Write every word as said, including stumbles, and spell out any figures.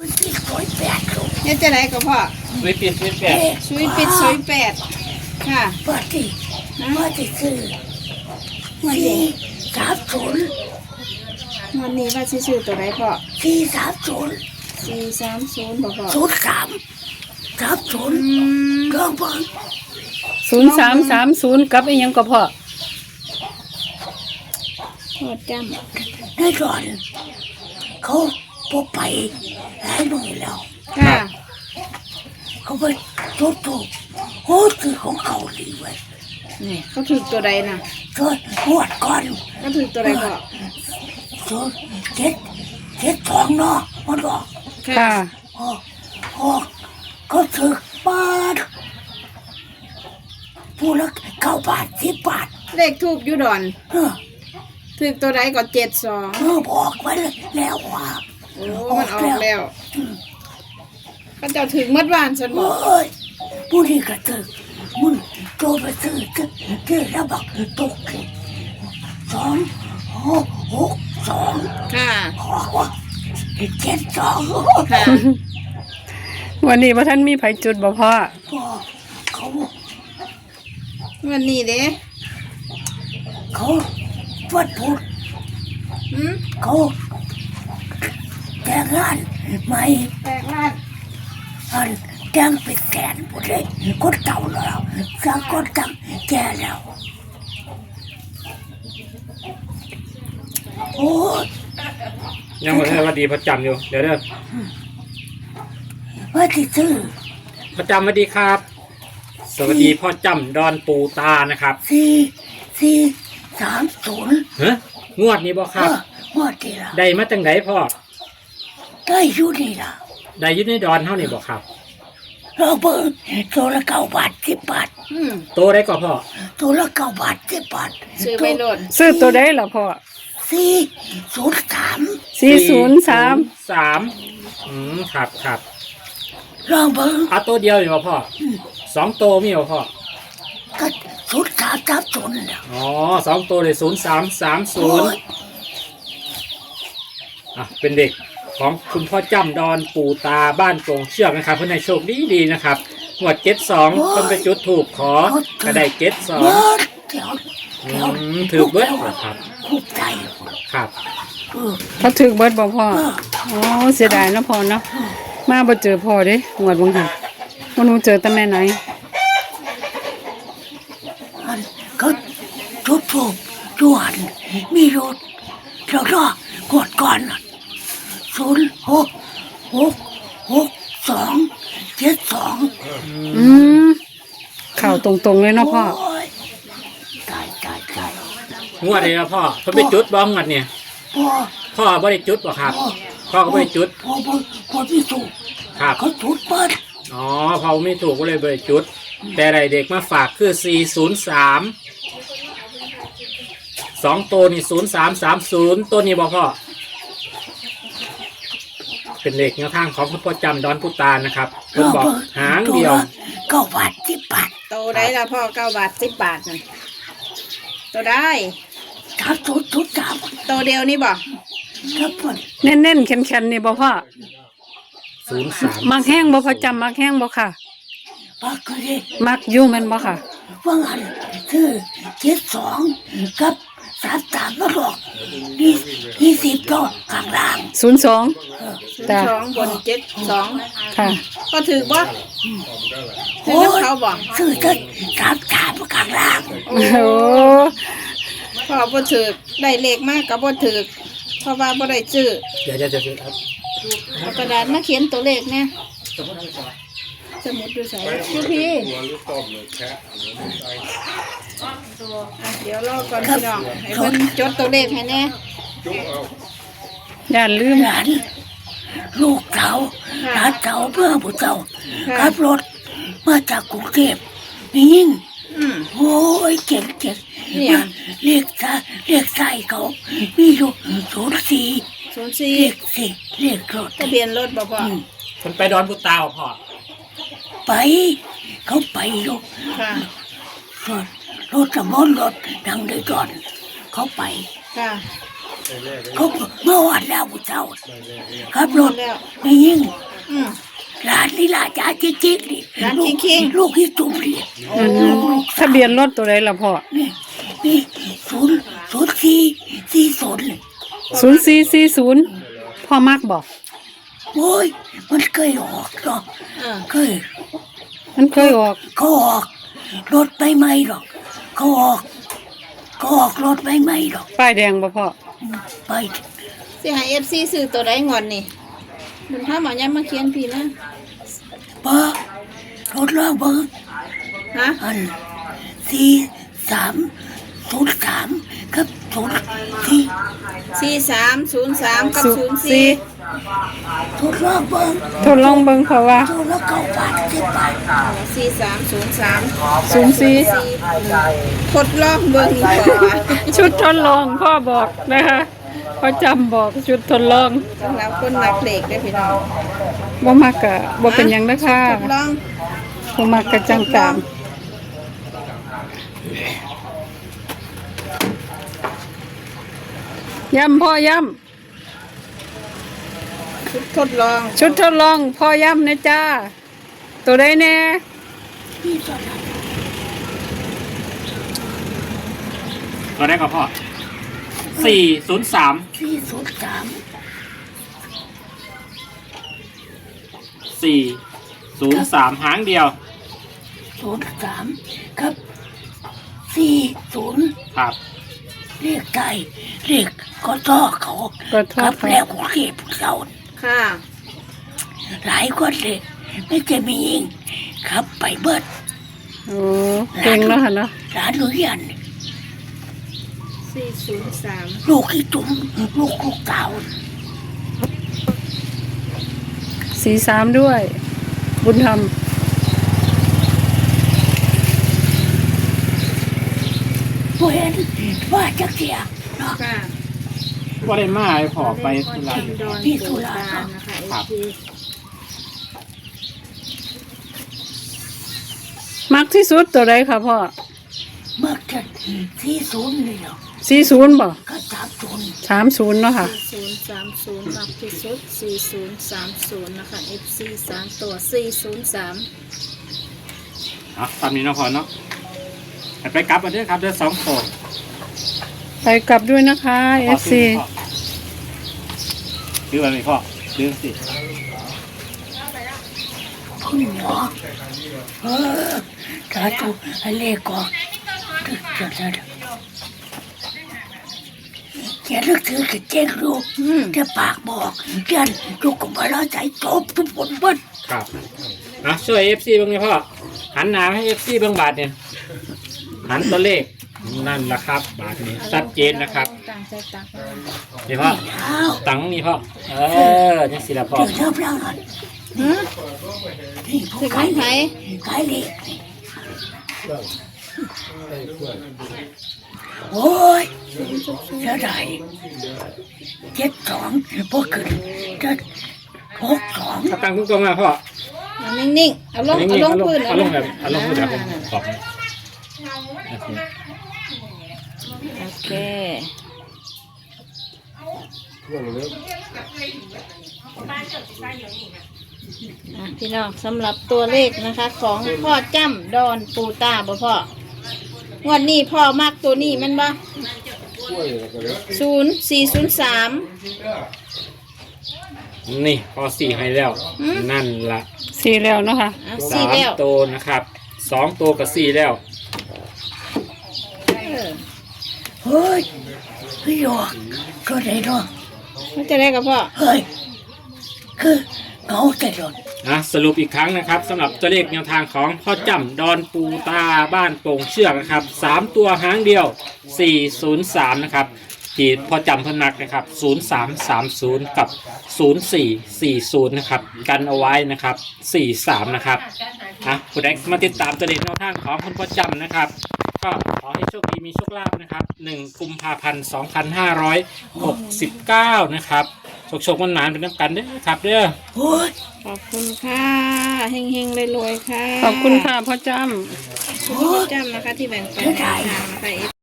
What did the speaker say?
เนี่ยจะไหนก็พ่อสวยปิดสวยแปดสวยปิดสวยแปดค่ะปกติว่าจะซื้อวันนี้สามศูนย์วันนี้ว่าสิซื้อตัวไหนพ่อสี่สามศูนย์สี่สามศูนย์บอกพ่อศูนย์สามสามศูนย์อืมลองเบิ่งศูนย์สามสามศูนย์กับอีหยังก็พอโคตรจในก่อนเขาพบไปหลายหน่วยแล้วำค่ะเขาไปทุบทุบโอ้คือของเขาดีเว้ยนี่เขาถือตัวใดน่ะจนหวดก่อนเขาถือตัวใดพ่อจนเจ็ดเจ็ดสองเนาะมันบอกค่ะโอ้โอ้เขาถือบ้านผู้ละเก้าบาทสิบบาทเลขทูบยูดอนเออถือตัวใดก็เจ็ดสองเออบอกไว้แล้วว่าโอ้มันออกแล้วก็เจ้าถึงมัดวานสนบโอ้อกยผู้นี้ก็ถือมึงโตไปซื้อจะจะระบักตกสองหกหกสองค่ะขอว่าเจ็ดสองค่ะวันนี้ว่าท่านมีไผจุดบ่พ่อพอเขาวันนี้เด้เขาฟัดพูดหืมเขาแต่งงานใหม่แตกลาดอันแต่งเป็นแสนหมดเลยคนเก่าแล้วสังคนตั้งแก่แล้วโอ้ยยังไม่ได้ว่าดีพระจำอยู่เดี๋ยวเด้อว่าที่ซื้อพระจำสวัสดีครับ สวัสดีพ่อจำดอนปูตานะครับสี่สี่สามศูนย์เฮ้ยงวดนี้บ่คเอรับอหมดทีละได้มาจังไหนพ่อได้อยู่นี่ละได้อยึดในดอนเท่านี้บ่ครับเราเบิ่งตัวละเก้าบาทสิบบาทอืมโตได้ก็พ่อตัวละเก้าบาทสิบบาทซื้อไปโหลดซื้อตัวใดล่ะพ่อสี่ศูนย์สามสี่ศูนย์สามสามอืมครับครับลองเบิ่งเอาตัวเดียวอยู่บ่พ่อสองโตวมีบ่พ่อก็ศูนย์สามสามศูนย์เนี่ยอ๋อสองตัวเลยศูนย์สามสามศูโอ้นย์ยอ่ะเป็นเด็กของคุณพ่อจำดอนปูตาบ้านโป่งเชือกนะครับเพื่อนให้โชคดีดีๆนะครับหมวดเจ็ดสองเพิ่นไปจุดถูกขอกระไดเจ็ดสองเบิดเดี๋ยวอืเดี๋ยวมถือเบิดเหรอครับคุบใจครับเออเขาถึกเบิดบ่พ่อเอออ๋อเสียดายเนาะพ่อเนาะมาบ่เจอพ่อเด้งวดบ่หันบ่รู้เจอแต่แม่ไหนอันเขาทุบทุบจวนมีรถแล้วก็กดก่อนศูนย์หกหกหกสองเจ็ดสองอืมเข้าตรงๆเลยเนาะพ่อโอ้ยตายตายตายงวดนี้นะพ่อเพิ่นไปจุดบ้องงวดเนี่ยพ่อพ่อบ่ได้จุดบ่ครับ พ่อก็บ่ได้จุดพ่อพ่อพ่อพี่สุครับเขาจุดเปิดอ๋อพ่อไม่ถูกก็เลยบ่ได้จุด แต่ไรเด็กมาฝากคือสี่ศูนย์สามสองตัวนี่ศูนย์สามสามศูนย์ตัวนี้บ่พ่อเป็นเลขแนวทางของคุณพ่อจำดอนพุตานนะครับเพิ่นบอกหางเดียวเก้าบาทสิบบาทโตได้ละพ่อเก้าบาทสิบบาทนั่นโตได้สามศูนย์ศูนย์สามโตเดียวนี่บ่ครับเพื่อนเน้นๆแข็งๆนี่บ่พ่อศูนย์สามมักแห้งบ่พ่อจำมักแห้งบ่ค่ะปากก็เลยมักอยู่แม่นบ่ค่ะว่างันคือเจ็ดสองกับสามสามมาบอกนี่ยี่สิบต่อข้างล่างศูนย์สอง จ้ะสองบนเจ็ดสองค่ะก็ถือบ่ถือโอ้น้ำยเขาบ่ซื้อจะสามสามข้างล่างโอ้โหพ่อบ่ถือได้เลขมากก็บ่ถือเพราะว่าบ่ได้ซื้อเดี๋ยวจะจะครับเอากระดาษมาเขียนตัวเลขเนี่ยสมุดดูใส่พี่พี่อ่ะเดี๋ยวรอก่อนพี่น้องให้เพิ่นจดตัวเลขให้แน่อย่าลืมหลานลูกเสาหลานเสาเพื่อผู้เสาขับรถมาจากกรุงเทพนี่ยิ่งอืมโอ้ยเก่งเก่งเนี่ยเรียกซะเรียกใส่เขามีอยู่ศูนย์สี่ศูนย์สี่เรียกสี่เรียกรถทะเบียนรถบ่พ่อคนไปดอนพุตาบ่พ่อไป เขาไปอยู่ค่ะรถรถสมอนรถดังเลยก่อน เขาไปค่ะเขาเมื่อวานแล้วกูเจ้าขับรถแล้วไม่ยิ่งอืมหลานนี่หลานจ้าจริงๆนี่หลานลูกจริงๆลูกที่จุ่มนี่อืมทะเบียนรถตัวใดล่ะพ่อนี่นี่ศูนย์ศูนย์สี่สี่ศูนย์เลยศูนย์สี่สี่ศูนย์พ่อมักบอกโอ้ยมันเคยออกหรอกอ่าเคยมันเคยออกเขาออกรถไม่ไหมหรอกเขาออกเขาออกรถไม่ไหมหรอกป้ายแดงบ่พ่อไปสิให้ เอฟ ซี ซื้อตัวใดงอนนี่บุญธรรมเอายังมาเขียนพี่นะเบอร์รถล่างเบอร์ฮะอันสี่สามศูนย์สามกับศูนย์สี่สี่สามศูนย์สามกับศูศูนนย์ย์สี่สี่รถล่างเบอร์ทดลองเบิ่งเพราะว่าตัวละเก้าบาทสิบบาทสี่สามศูนย์สามศูนย์สี่ทดลองเบิ่งนี่ก่อนว่าชุดทดลองพ่อบอกนะคะพ่อจำบอกชุดทดลองสำหรับคนรักเด็กได้อพี่น้องบ่มักกะบ่เป็นหยังนะคะทดลองบ่มักกะจังตามย้ำพ่อย้ชุดทดลองำชุดทดลองพ่อย้ำนะจ้าตัวใดแน่นี่ตอนนั้นตัวได้กับพ่อสี่ศูนย์สามสี่ศูนย์สามสี่ศูนย์สามหางเดียวศูนย์สามกับสี่ศูนย์ครับเรียกไก่เรียกก็ต้อเขาก็ทกัอบ ดแล้วกูเก็บเราค่ะหลายคนเลยไม่จะมียิงครับไปเบิดโอ้เก่งแล้วค่ะเนาะร้านหนูยันสี่ศูนย์สามลูกที่จุ๋มลูกลูกเต่าสี่สามด้วย บุญธรรมผู้เห็นว่าจะเสียเนาะค่ะว่าได้มาให้พ่อไปธุระจำดอนพี่สุปู่ราตานะคะครับเอฟซีมักที่สุดตัวใดค่ะพ่อเมื่อจะที่ศูนย์เลยเนาะสี่ศูนย์บ่ก็สามศูนย์สามศูนย์เนาะค่ะศูนย์สามศูนย์มากที่สุดสี่ศูนย์สามศูนย์นะคะ เอฟ ซี สามตัวสี่ศูนย์สามอ่ะตามนี้เนาะพ่อเนาะให้ไปกลับมาเด้อครับเด้อสองตัวไปกลับด้วยนะคะ เอฟซีซื้ออะไรพ่อซื้อสิคุณหมอเออถ้าถูกให้เลขก่อนจะจะจะเขียนหนังสือกับเจ๊งลูกจะปากบอกเขียนลูกก็มาแล้วใจจบทุกคนเบิ้ลครับอ่ะช่วยเอฟซีบ้างไหมพ่อหันหน้าให้เอฟซีเบ้างบาทเนี่ยหันตัวเลขนั่นแหละครับ บาทนี้ชัดเจนนะครับต่างใจต่างนี่พ่ออ้าวตังค์นี่พ่อเออนี่สิละพ่อเดี๋ยวเริ่มแล้วหน่อยหือนี่ผู้ถึงขายไผขายเลขนี่โอ้ยเสียดายเจ็ดสองพวกขึ้นจะหกสองถ้าตังค์ทุกตัวมาพ่อเอานิ่งๆเอาลงเอาลงพื้นเอาลงแบบเอาลงแบบผมขอบโอเคอ่ะพี่น้องสำหรับตัวเลขนะคะ ของพ่อจ้ำดอนปูตาบ่พ่องวดนี้พ่อมากตัวนี้แมันบ่ศูนย์สี่ศูนย์สามนี่พอสี่ให้แล้วหืมนั่นละสี่แล้วเนาะค่ะอ่ะสาสี่มแล้วตัวนะครับสองตัวกับสี่แล้วเออเฮ้ยพี่หยอกก็ได้เนาะมันจะได้กับพ่อเฮ้ยคือเหงาใจโดนนะสรุปอีกครั้งนะครับสำหรับตัวเลขแนวทางของพ่อจำดอนปูตาบ้านโป่งเชือกนะครับสามตัวหางเดียวสี่ศูนย์สามนะครับที่พ่อจำเพนนักนะครับศูนย์สามสามศูนย์กับศูนย์สี่สี่ศูนย์นะครับกันเอาไว้นะครับสี่สามนะครับอ่ะผู้ใดมาติดตามตัวเลขแนวทางของคุณพ่อจำนะครับ ก็ขอให้โชคดีมีโชคลาภนะครับหนึ่งกุมภาพันธ์สองพันห้าร้อยหกสิบเก้านะครับโชคโชคมันหนานเป็นน้ำกันเด้อครับเด้อโอ้ยขอบคุณค่ะเฮงๆรวยๆค่ะขอบคุณค่ะพ่อจำขอบคุณพ่อจ้ำนะคะที่แบ่งปันแนวทางนะคะ